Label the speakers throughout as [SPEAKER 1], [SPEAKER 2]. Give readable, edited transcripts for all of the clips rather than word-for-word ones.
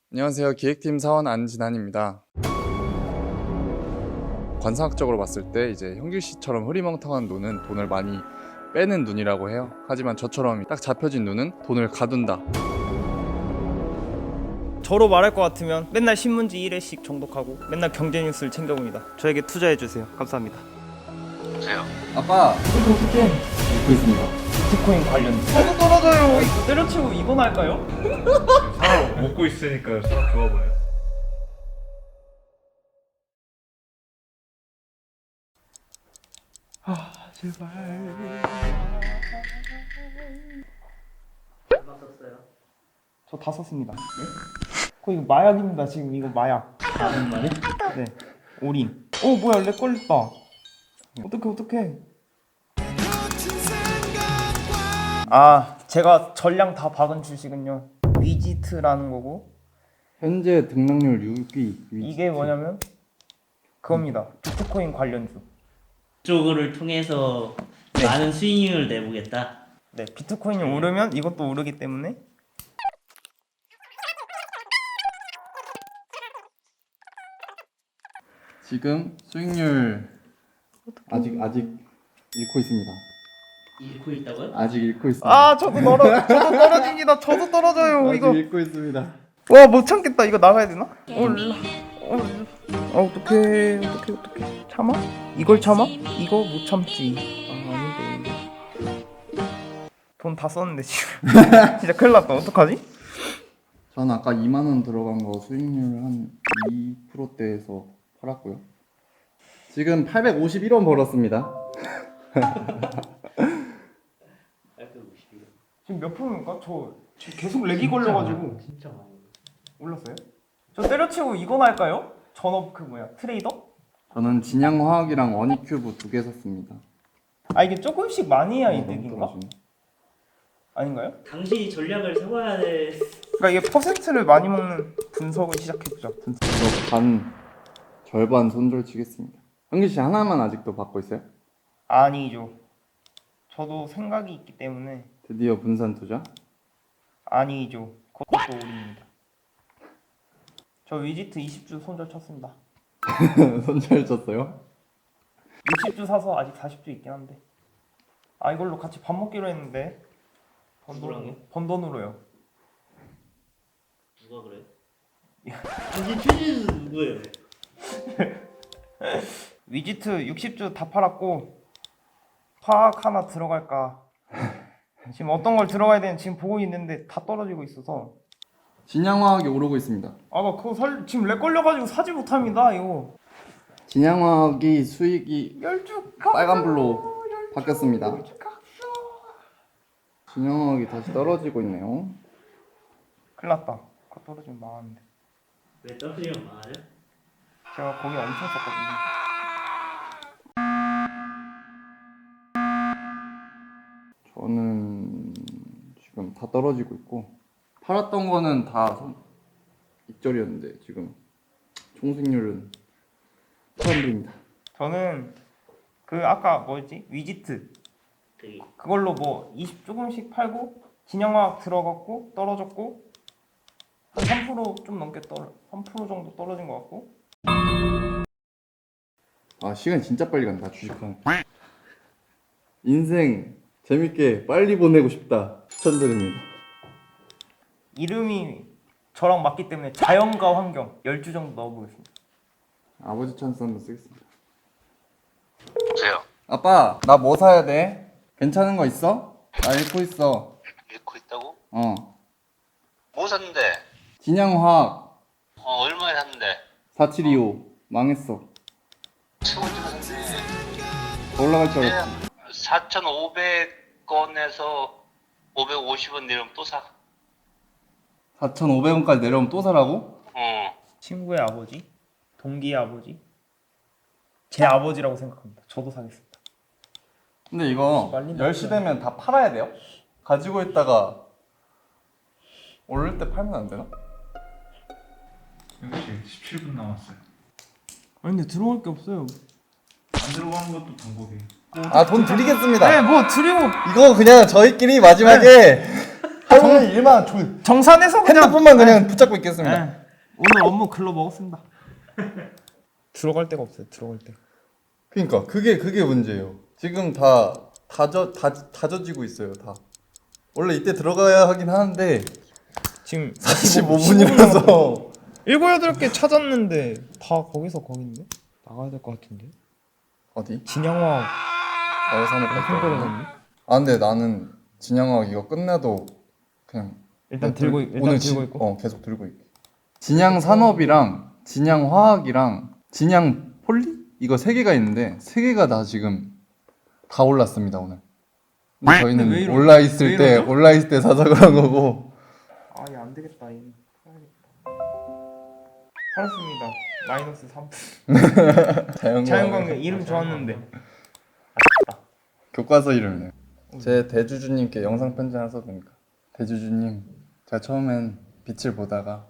[SPEAKER 1] 안녕하세요. 기획팀 사원 안진환입니다. 관상학적으로 봤을 때 이제 형규 씨처럼 흐리멍텅한 눈은 돈을 많이 빼는 눈이라고 해요. 하지만 저처럼 딱 잡혀진 눈은 돈을 가둔다.
[SPEAKER 2] 저로 말할 것 같으면 맨날 신문지 1회씩 정독하고 맨날 경제 뉴스를 챙겨봅니다. 저에게 투자해주세요. 감사합니다.
[SPEAKER 3] 주세요.
[SPEAKER 1] 아빠!
[SPEAKER 2] 어떻게
[SPEAKER 1] 읽고 있습니다.
[SPEAKER 2] 비트코인 관련 저도 떨어져요. 이거 때려치고 이건 할까요?
[SPEAKER 4] 사람 먹고 있으니까 사람 좋아 보여.
[SPEAKER 2] 제발.
[SPEAKER 3] 얼마 썼어요?
[SPEAKER 2] 저 다 썼습니다. 네? 이거 마약입니다. 지금 이거 마약.
[SPEAKER 3] 정말요?
[SPEAKER 2] 네. 올인. 뭐야 렉 걸렸다. 어떡해. 제가 전량 다 박은 주식은요 위지트라는 거고,
[SPEAKER 1] 현재 등락률 6위.
[SPEAKER 2] 이게 뭐냐면 그겁니다. 비트코인 관련주.
[SPEAKER 3] 이쪽을 통해서 많은 수익률을 내보겠다.
[SPEAKER 2] 네, 비트코인이 오르면 이것도 오르기 때문에
[SPEAKER 1] 지금 수익률 아직 잃고 있습니다.
[SPEAKER 3] 잃고 있다고요?
[SPEAKER 1] 아직 잃고 있습니다.
[SPEAKER 2] 저도 떨어집니다. 저도 떨어져요.
[SPEAKER 1] 아직
[SPEAKER 2] 이거
[SPEAKER 1] 잃고 있습니다.
[SPEAKER 2] 와 못 참겠다. 이거 나가야 되나? 어떡해. 참아? 이걸 참아? 이거 못 참지. 아닌데. 돈 다 썼는데 지금. 진짜 큰일 났다. 어떡하지?
[SPEAKER 1] 저는 아까 2만 원 들어간 거 수익률 한 2%대에서 팔았고요. 지금 851원 벌었습니다.
[SPEAKER 3] 851.
[SPEAKER 2] 지금 몇 프로입니까? 저 지금 계속 렉이 걸려가지고.
[SPEAKER 3] 진짜 많이.
[SPEAKER 2] 올랐어요? 저 때려치고 이건 할까요? 전업 트레이더?
[SPEAKER 1] 저는 진양화학이랑 원익큐브 2개 샀습니다.
[SPEAKER 2] 이게 조금씩 많이 해야
[SPEAKER 1] 너무
[SPEAKER 2] 이득인가?
[SPEAKER 1] 떨어지네.
[SPEAKER 2] 아닌가요?
[SPEAKER 3] 당신이 전략을 세워야 돼.
[SPEAKER 2] 그러니까 이게 퍼센트를 많이 먹는 분석을 시작해보자.
[SPEAKER 1] 저 절반 손절 치겠습니다. 형기 씨 하나만 아직도 받고 있어요?
[SPEAKER 2] 아니죠. 저도 생각이 있기 때문에.
[SPEAKER 1] 드디어 분산 투자?
[SPEAKER 2] 아니죠. 그것도 올입니다. 저 위지트 20주 손절 쳤습니다.
[SPEAKER 1] 손절 쳤어요?
[SPEAKER 2] 60주 사서 아직 40주 있긴 한데. 이걸로 같이 밥 먹기로 했는데.
[SPEAKER 3] 누구랑요?
[SPEAKER 2] 번 돈으로요.
[SPEAKER 3] 누가 그래? 당신 최진수 누구예요?
[SPEAKER 2] 위지트 60주 다 팔았고 화학 하나 들어갈까. 지금 어떤 걸 들어가야 되는지 지금 보고 있는데 다 떨어지고 있어서.
[SPEAKER 1] 진양화학이 오르고 있습니다.
[SPEAKER 2] 나 그거 지금 렉 걸려가지고 사지 못합니다. 이거
[SPEAKER 1] 진양화학이 수익이
[SPEAKER 2] 열주
[SPEAKER 1] 빨간불로 바뀌었습니다. 진양화학이 다시 떨어지고 있네요.
[SPEAKER 2] 큰일 났다. 그거 떨어지면 망하는데.
[SPEAKER 3] 왜 떨어지면 망하죠?
[SPEAKER 2] 제가 거기 엄청 썼거든요.
[SPEAKER 1] 저는 지금 다 떨어지고 있고 팔았던 거는 다 익절이었는데 지금 총수익률은 처음입니다.
[SPEAKER 2] 저는 아까 뭐였지? 위지트
[SPEAKER 3] 되게
[SPEAKER 2] 그걸로 20 조금씩 팔고 진영화학 들어갔고 떨어졌고 한 3%좀 넘게 3% 정도 떨어진 것 같고.
[SPEAKER 1] 시간 진짜 빨리 간다. 주식하는 인생 재밌게 빨리 보내고 싶다. 추천드립니다.
[SPEAKER 2] 이름이 저랑 맞기 때문에 자연과 환경 10주 정도 넣어보겠습니다.
[SPEAKER 1] 아버지 찬스 한번 쓰겠습니다.
[SPEAKER 3] 보세요.
[SPEAKER 1] 아빠 나 뭐 사야 돼? 괜찮은 거 있어? 나 읽고 있어.
[SPEAKER 3] 잃고 있다고?
[SPEAKER 1] 뭐
[SPEAKER 3] 샀는데?
[SPEAKER 1] 진양화학
[SPEAKER 3] 얼마에 샀는데?
[SPEAKER 1] 4725 망했어.
[SPEAKER 3] 최고치로 샀네.
[SPEAKER 1] 더 올라갈 줄 알았지.
[SPEAKER 3] 4,500원에서 550원 내려면 또 사.
[SPEAKER 1] 4,500원까지 내려오면 또 사라고?
[SPEAKER 2] 친구의 아버지, 동기의 아버지, 제 아버지라고 생각합니다. 저도 사겠습니다.
[SPEAKER 1] 근데 이거
[SPEAKER 2] 말린다.
[SPEAKER 1] 10시 되면 다 팔아야 돼요? 가지고 있다가 오를 때 팔면 안 되나?
[SPEAKER 4] 역시 17분 남았어요.
[SPEAKER 2] 근데 들어올 게 없어요.
[SPEAKER 4] 안 들어가는 것도 방법이에요.
[SPEAKER 1] 돈 드리겠습니다.
[SPEAKER 2] 네, 뭐 드리고
[SPEAKER 1] 이거 그냥 저희끼리 마지막에 할머니
[SPEAKER 2] 정-
[SPEAKER 1] 일만
[SPEAKER 2] 정산해서 그냥
[SPEAKER 1] 핸드폰만 그냥 붙잡고 있겠습니다.
[SPEAKER 2] 네. 오늘 업무 글러 먹었습니다. 들어갈 데가 없어요. 들어갈 데.
[SPEAKER 1] 그러니까 그게 문제예요. 지금 다 다져지고 있어요. 다. 원래 이때 들어가야 하긴 하는데
[SPEAKER 2] 지금
[SPEAKER 1] 45분이라서
[SPEAKER 2] 7, 8개 찾았는데 다 거기서 거긴데? 나가야 될 것 같은데?
[SPEAKER 1] 어디?
[SPEAKER 2] 진양화
[SPEAKER 1] 어산업
[SPEAKER 2] 엄청
[SPEAKER 1] 갔다.
[SPEAKER 2] 떨어졌네.
[SPEAKER 1] 아 근데 나는 진양화학 이거 끝내도 그냥
[SPEAKER 2] 일단 들고 있고
[SPEAKER 1] 계속 들고 있게. 진양 산업이랑 진양 화학이랑 진양 폴리 이거 세 개가 있는데 세 개가 다 지금 다 올랐습니다 오늘. 근데
[SPEAKER 2] 왜
[SPEAKER 1] 저희는
[SPEAKER 2] 이러죠?
[SPEAKER 1] 올라 있을
[SPEAKER 2] 왜 이러죠?
[SPEAKER 1] 때 사서 그런 거고.
[SPEAKER 2] 아, 얘 안 되겠다. 얘 팔았습니다. 마이너스 3. 자연광경 이름 좋았는데.
[SPEAKER 1] 교과서 이름이에요. 제 대주주님께 영상 편지 하나 써도 됩니까? 대주주님, 제가 처음엔 빛을 보다가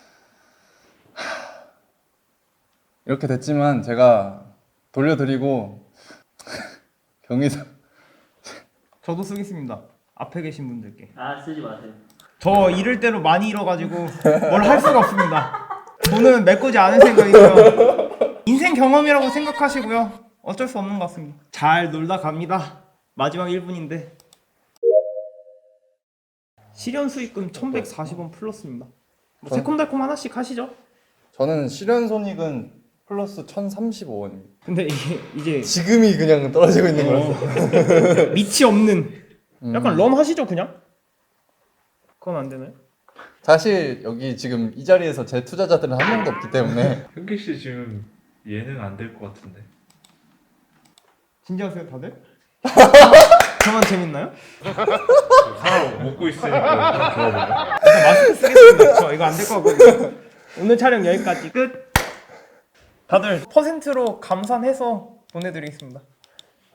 [SPEAKER 1] 이렇게 됐지만 제가 돌려드리고 경희사
[SPEAKER 2] 저도 쓰겠습니다. 앞에 계신 분들께.
[SPEAKER 3] 아 쓰지 마세요.
[SPEAKER 2] 저 이럴 대로 많이 잃어가지고 뭘 할 수가 없습니다. 돈은 메꾸지 않을 생각이고요. 인생 경험이라고 생각하시고요. 어쩔 수 없는 것 같습니다. 잘 놀다 갑니다. 마지막 1분인데 실현 수익금 1140원 플러스입니다. 뭐 새콤달콤 하나씩 하시죠.
[SPEAKER 1] 저는 실현 손익은 플러스 1,035원입니다.
[SPEAKER 2] 근데 이제
[SPEAKER 1] 지금이 그냥 떨어지고 있는 거라서.
[SPEAKER 2] 밑이 없는 약간 런 하시죠 그냥? 그건 안 되나요?
[SPEAKER 1] 사실 여기 지금 이 자리에서 제 투자자들은 한 명도 없기 때문에
[SPEAKER 4] 현기 씨 지금 예능 안 될 것 같은데.
[SPEAKER 2] 진지하세요 다들? 저만 재밌나요?
[SPEAKER 4] 사람 먹고 있으니까 사람 좋아 보여.
[SPEAKER 2] 일단 마스크 쓰겠습니다. 저 이거 안 될 것 같거든요. 오늘 촬영 여기까지 끝. 다들 퍼센트로 감산해서 보내드리겠습니다.